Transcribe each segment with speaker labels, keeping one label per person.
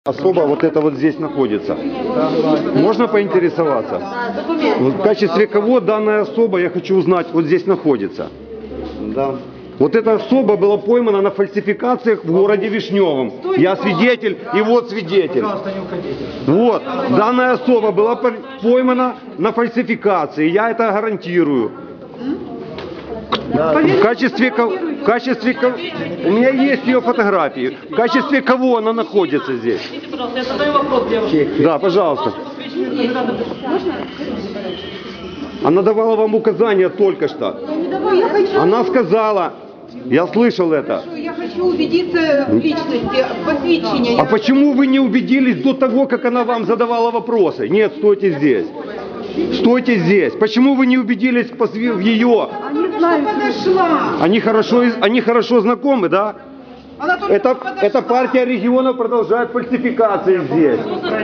Speaker 1: Особо вот это вот здесь находится. Можно поинтересоваться? В качестве кого данная особа, я хочу узнать, вот здесь находится?
Speaker 2: Да.
Speaker 1: Вот эта особа была поймана на фальсификациях в городе Вишневом. Я свидетель, и вот свидетель. Вот, данная особа была поймана на фальсификации, я это гарантирую. В качестве кого, у меня есть ее фотографии. В качестве кого она находится здесь?
Speaker 3: Я задаю вопрос девушке.
Speaker 1: Да, пожалуйста. Она давала вам указания только что. Она сказала, я слышал это.
Speaker 4: Я хочу убедиться в личности, посвящения.
Speaker 1: А почему вы не убедились до того, как она вам задавала вопросы? Нет, стойте здесь. Стойте здесь. Почему вы не убедились в ее?
Speaker 4: Они знают, подошла.
Speaker 1: Они хорошо знакомы, да?
Speaker 4: Она только
Speaker 1: Эта партия регионов продолжает фальсификации здесь.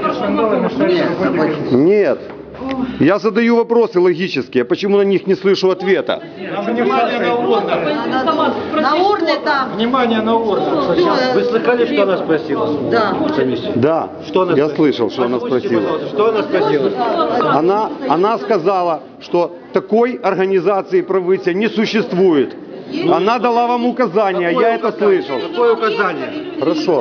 Speaker 1: Нет. Я задаю вопросы логические, почему на них не слышу ответа?
Speaker 3: Внимание на урны.
Speaker 5: На урны там.
Speaker 2: Внимание на урны. Вы слыхали, что она спросила?
Speaker 5: Да.
Speaker 1: Да,
Speaker 2: Что она
Speaker 1: я
Speaker 2: спросила?
Speaker 1: слышал, что она
Speaker 2: Озвучьте,
Speaker 1: спросила.
Speaker 2: пожалуйста, что она спросила?
Speaker 1: Она сказала, что такой организации правительства не существует. Она дала вам указания, я это слышал.
Speaker 2: Какое указание?
Speaker 1: Хорошо.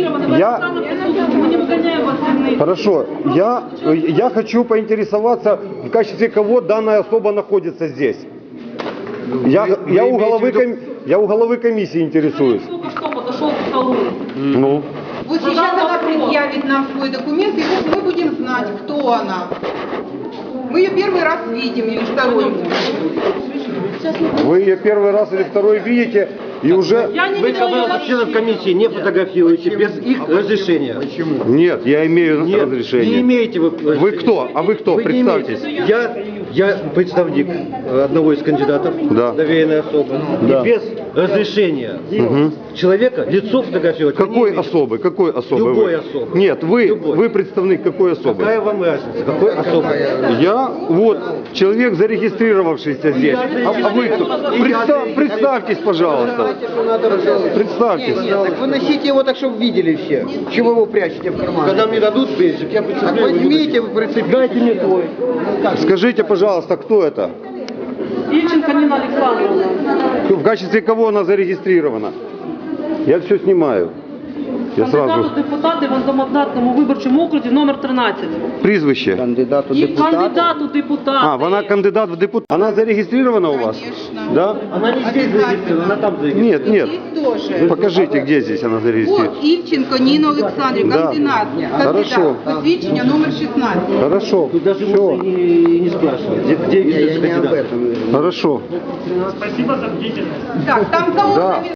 Speaker 1: Хорошо. Я хочу поинтересоваться, в качестве кого данная особа находится здесь. Я у головы комиссии интересуюсь.
Speaker 3: Только что подошел к столу.
Speaker 1: Ну.
Speaker 4: Вот сейчас она предъявит нам свой документ, и вот мы будем знать, кто она. Мы ее первый раз видим, или второй.
Speaker 1: Вы ее первый раз или второй видите, и уже...
Speaker 3: Я не
Speaker 2: Вы,
Speaker 3: видела ее
Speaker 2: пожалуйста, членов
Speaker 3: вообще.
Speaker 2: комиссии не фотографируете без их разрешения. Почему?
Speaker 1: Нет, я имею
Speaker 2: Нет,
Speaker 1: разрешение.
Speaker 2: не имеете вы разрешения.
Speaker 1: Вы кто? А вы кто?
Speaker 2: Вы не
Speaker 1: Представьтесь.
Speaker 2: имеете. Я представник одного из кандидатов,
Speaker 1: Да.
Speaker 2: доверенной особы.
Speaker 1: Да.
Speaker 2: И без разрешения человека лицо фотографировать. вы не
Speaker 1: Какой
Speaker 2: имеете.
Speaker 1: особы? Какой особы?
Speaker 2: Любой
Speaker 1: вы?
Speaker 2: особы.
Speaker 1: Нет,
Speaker 2: Любой.
Speaker 1: вы представник какой особы?
Speaker 2: Какая вам разница? Какой особы?
Speaker 1: Я вот человек, зарегистрировавшийся здесь. А вы кто? Представьтесь, пожалуйста. Представьтесь.
Speaker 6: Так вы носите его так, чтобы видели все. Чего вы его прячете в карман?
Speaker 2: Когда мне дадут бейджик, я
Speaker 6: Так
Speaker 2: представляю.
Speaker 6: возьмите, вы прицепляйте мне твой.
Speaker 1: Скажите, пожалуйста, кто это?
Speaker 3: Ильченко Нина Александровна.
Speaker 1: В качестве кого она зарегистрирована? Я все снимаю. Я
Speaker 3: Кандидат
Speaker 1: сразу.
Speaker 3: у депутати в одномандатному виборчому окрузі номер 13.
Speaker 1: Прізвище.
Speaker 6: Кандидату
Speaker 3: І
Speaker 6: депутата.
Speaker 3: кандидат у депутати.
Speaker 1: А, вона кандидат в депутат. Она зарегистрирована у вас?
Speaker 4: Конечно.
Speaker 1: Да?
Speaker 2: Она не здесь зарегистрирована, она там зарегистрирована.
Speaker 1: Нет, нет.
Speaker 4: Здесь тоже.
Speaker 1: Покажите, где здесь она зарегистрирована.
Speaker 4: Вот Ильченко Нина Олександрівна,
Speaker 1: Да.
Speaker 4: кандидат.
Speaker 1: Хорошо.
Speaker 4: Посвідчення номер 16.
Speaker 1: Хорошо.
Speaker 2: Тут даже
Speaker 1: Все.
Speaker 2: можно и не спрашивать, где
Speaker 6: Я
Speaker 2: видится
Speaker 6: не об
Speaker 2: кандидат.
Speaker 6: этом.
Speaker 1: Хорошо.
Speaker 4: Так, там кого
Speaker 1: Да.